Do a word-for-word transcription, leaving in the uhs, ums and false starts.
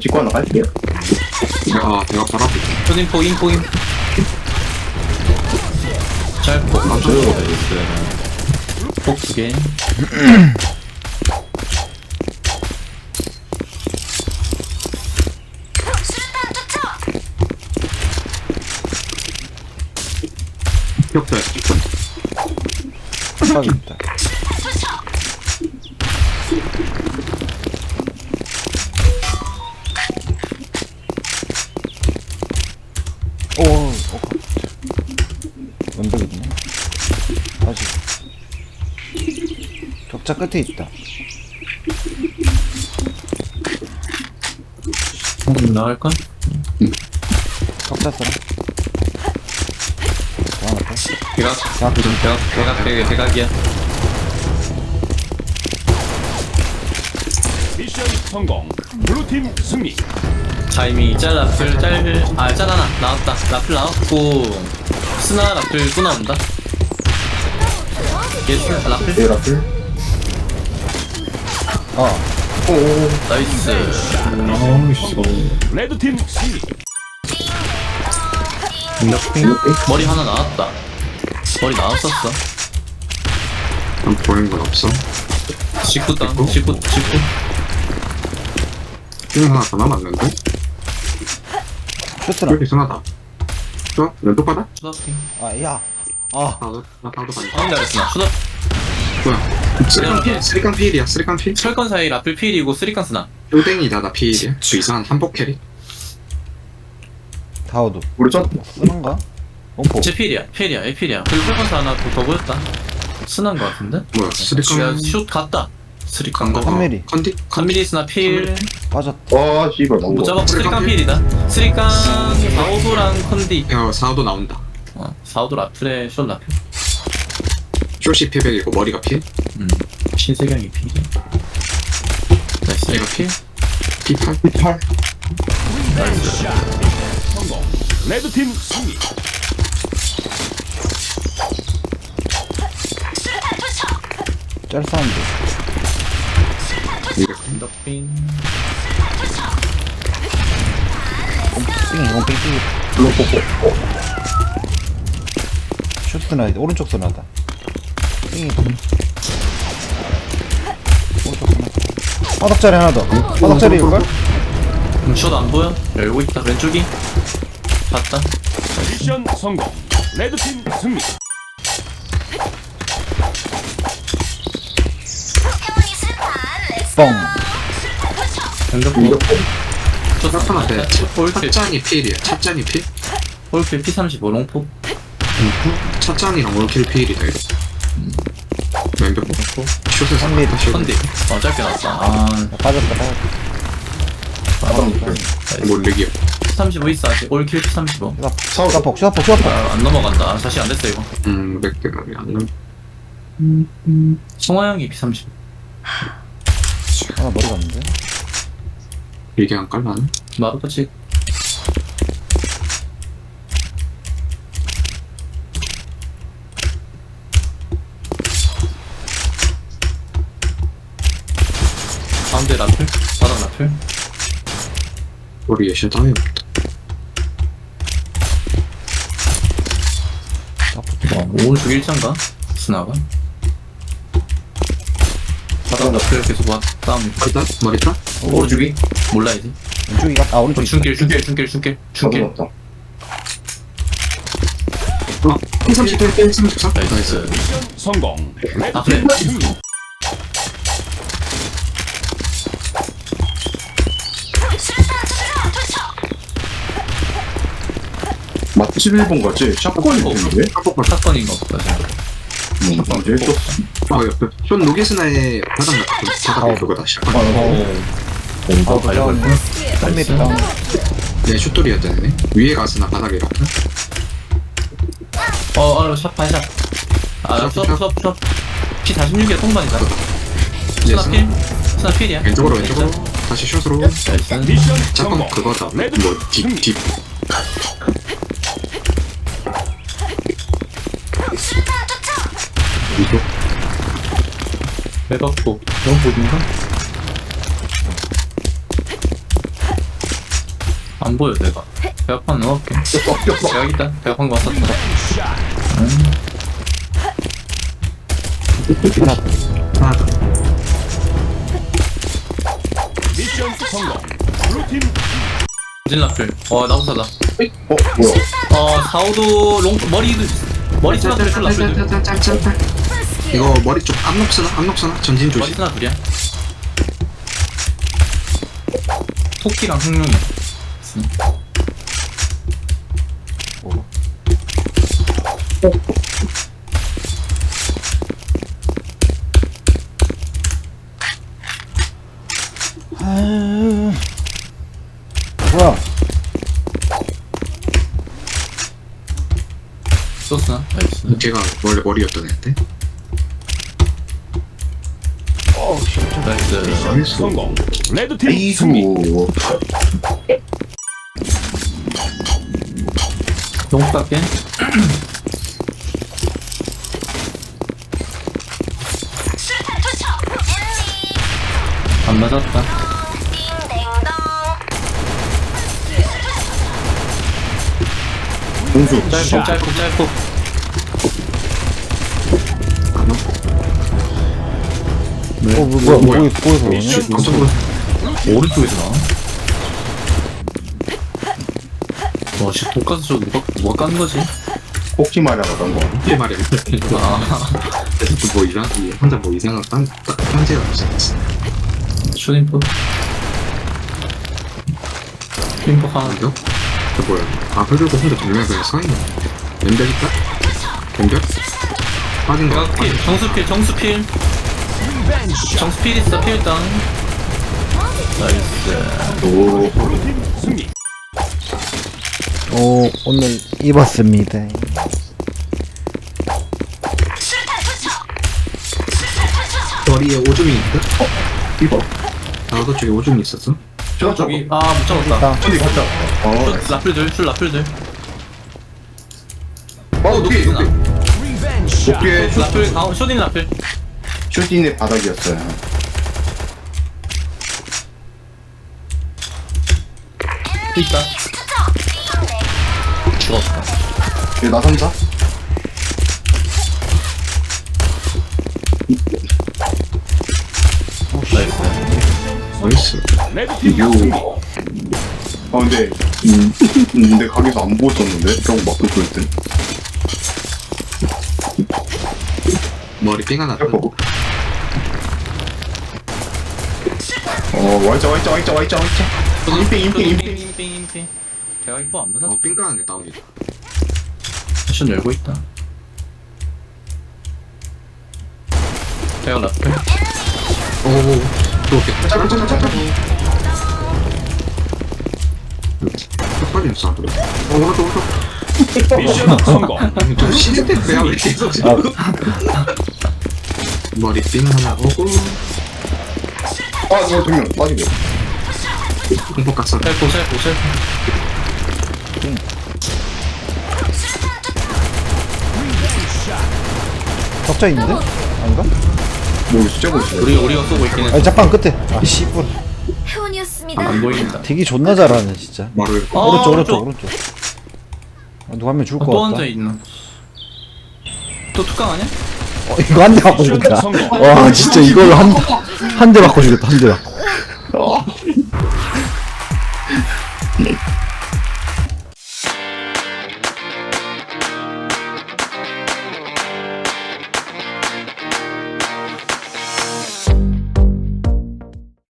찍고 하나 갈게요. 아 내가 바로 앞에 있다. 초딩포 인포 인 짧고 아, 저거 있어요. 폭두개 기억자야 기억. 빡이다. 오, 오, 왼벽 있네. 다시. 격자 끝에 있다. 나갈까? 격자 써라. 뭐 하나 더? 대각 자, 대각 대각 대각 대각이야. 미션 성공. 블루팀 승리. 타이밍이 짤 라플 짤아 짤하나 나왔다. 라플 나왔고 스나 라플 또 나온다. 예스 라플 네, 라플. 어, 오, 나이스. 레드팀 승리. 머리 하나 나왔다. 머리 나왔었어. 난 보이는 건 없어. 십구 땅 십구 십구 핑 하나 더 남았는데? 쇼트라. 여기 순하다. 좋아? 왼쪽 바다? 추다핑 아, 야. 아, 나도 나 나도 가니. 가운데 아랬으나 추다 뭐야? 쓰리깡 필, 쓰리깡 필이야. 쓰리깡 필. 철권 사이 라플 필이고 쓰리칸 스나. 땡이다 나 필이야. 그 이상한 한복 캐리. 다오도. 우리 전 쓰는가? 원포. 제 필이야 필이야 얘 필이야. 그리고 철권 사 하나 더, 더 보였다. 스나인 거 같은데? 뭐야? 쓰리깡. 슛 갔다. 쓰리칸 거. 거. 삼 밀리. 컨디? 삼미리 스나 필. 빠졌다. 와, 씨발, 너무. 못 잡았고 쓰리칸 쓰리칸 필이다. 쓰리칸 사오도랑 컨디. 야 사오도 나온다. 어 사오도 라플에 숏 라플. 쇼시 피백이고 머리가 필. 음 신세경이 필. 나이스 얘가 필. 피팔. 팔. 성공. 레드팀 승리. 짤 사운드. 이거 덕빈. 삥, 이건 삥, 삥. 블록 뽑고. 쇼트 나이드. 오른쪽 선하다. 삥이. 오른쪽 선하. 바닥자리 하나 더. 바닥자리일걸? 음, 숏안 보여? 열고 있다. 왼쪽이. 봤다. 미션 성공. 레드팀 승리. 뻥. 핸드폰. 숏 나타나대. 홀필. 찻잔이 필이야. 찻잔이 필. 홀필 피 삼십오 롱포. 찻잔이랑 올킬 필이다 이거. 왼벽 롱포. 슛에서 삼 밀리. 슛. 컨디. 어 짧게 나왔다. 아. 빠졌다, 빠졌다. 몰리기야. 피 삼십오 있어 아직. 올킬 피 삼십오. 슈다폭, 슈다폭, 슈다폭. 아, 안 넘어간다. 아, 다시 안 됐어 이거. 음, 맥대가 안 나. 송하 형이 피 삼십오. 하나 머리 갔는데? 이게 안 깔라나? 마루까지. 가운데 라플? 바닥 라플? 우리 예시 따위 없다. 어, 오른쪽 일장가? 스나가? 바닥 라플 계속 와. 다음 머리 따? 머리 따? 오른쪽이? 몰라 이제. 왼쪽이 가, 아, 오른쪽 있다. 중길 중길 중길 중길 중길. 없다. 어, 피 삼십일, 피 삼십사? 나이스. 나이스. 미션 성공. 아 그래. 레드팀 승리. 맞지? 십일 번 거지? 샷건이 어. 있는데? 한복 봐. 사건인 것 같다. 음, 이제 또. 아, 옆에. 쇼 노기스나의 바닥 같은 바닥에 그거다. 샷건. 어, 어 발려볼 뻔. 삼 밀리 다운. 네, 슛돌이었다네. 위에 가스나 바닥에 같은. 어, 아, 샷, 반샷. 아, 샷, 수업, 샷. 수업, 수업. 피 사십육이야, 통반이다. 네, 스나 필? 스나 필이야. 왼쪽으로, 왼쪽으로. 다시 슛으로. 나이스. 미션 샷건 성공. 그거다. 레드 뭐, 딥, 딥. 이거. 백업고. 너무 보인가? 안 보여 내가. 배합판 넣어볼게. 배합 있다. 배합한 거 왔었다. 하나 더. 미션 성공. 블루팀 진 라플. 어 나부사다. 어 뭐야? 어 사오도 롱 머리 머리 스나 둘 라플 둘. 짤짤짤짤짤짤. 이거 머리 쪽 앞록 쓰나? 앞록 쓰나? 전진 머리 조심. 스나 둘이야. 토끼랑 흑룡이. 아유. 뭐야? 썼어. 나이스. 걔가 원래 머리였던 애인데. 나이스. 미션 성공. 레드팀 이수. 승리. 너무 깎게. 안 맞았다. 공수. 짧고 짧고 짧고. 어, 뭐, 뭐야, 뭐야? 뭐야, 거기서 오냐? 씨, 깜짝 놀랐어. 오른쪽에서 나와. 와, 씨, 독가스 저 누가, 누가 깐 거지? 꼭지 말하던 거. 이게 말이야. 아, 그래서 뭐 이상, 이 혼자 뭐 이상한 딴, 딴, 딴지가 없어. 슈닝포. 슈닝포 하나. 이거? 저 뭐야? 아, 그리고 혼자 정면 그냥 서 있는. 연결 있다? 연결? 빠진 거. 내가 필, 정수필, 정수필. 정수필 있어, 필 땅. 나이스. 오. 블루팀 승리. 오, 오늘 입었습니다. 머리에 오줌이 있다? 어? 이거. 나도 저기 오줌이 있었어? 저 저기, 아, 못 잡았다. 딱. 어디 갔다. 어. 슛, 라플들, 슛, 라플들. 어 높이 높이. 높게 라플, 아, 슈닝 라플. 슈팅의 바닥이었어요. 또 있다. 죽었다. 얘 나선자? 나이스. 나이스. 레드팀 요. 승리. 아 근데 음, 음, 내 가게에서 안 보였었는데 저거 막고 그럴 때. 머리 삥 하나 더. 어. 어 와있자 와있자 와있자 와있자 와있자. 인핑 인핑 인핑. 인핑, 인핑, 인핑. 대가 이거 안 맞아? 어, 삥 까는 게 나오겠다. 패션 열고 있다. 대가 라플. 오오오. 또 오겠다. 잠깐, 잠깐, 잠깐. 빨리 있어. 어, 오른쪽, 오른쪽. 미션 성공. 좀 시대 때 배야 왜 계속 머리 삥 하나 오고 아 저거 두명 빠지고. 공포 깠어. 셀포, 셀포, 셀포. 적자 있는데? 아닌가? 뭐 째고 있어. 우리, 우리가 쏘고 있긴 아니, 했어. 잠깐, 끝에. 아, 씨발. 행운이었습니다. 안 보인다. 되게 존나 잘하네, 진짜. 머리를 어, 오른쪽, 오른쪽, 오른쪽. 오른쪽. 아, 누가 한 명 죽을 어, 것 또 같다. 앉아 있나? 또 툭강 아니야? 어, 이거 한 대 맞고 미션 죽겠다. 성공. 와, 진짜 이걸로 한, 한 대 맞고 죽겠다, 한 대 맞고.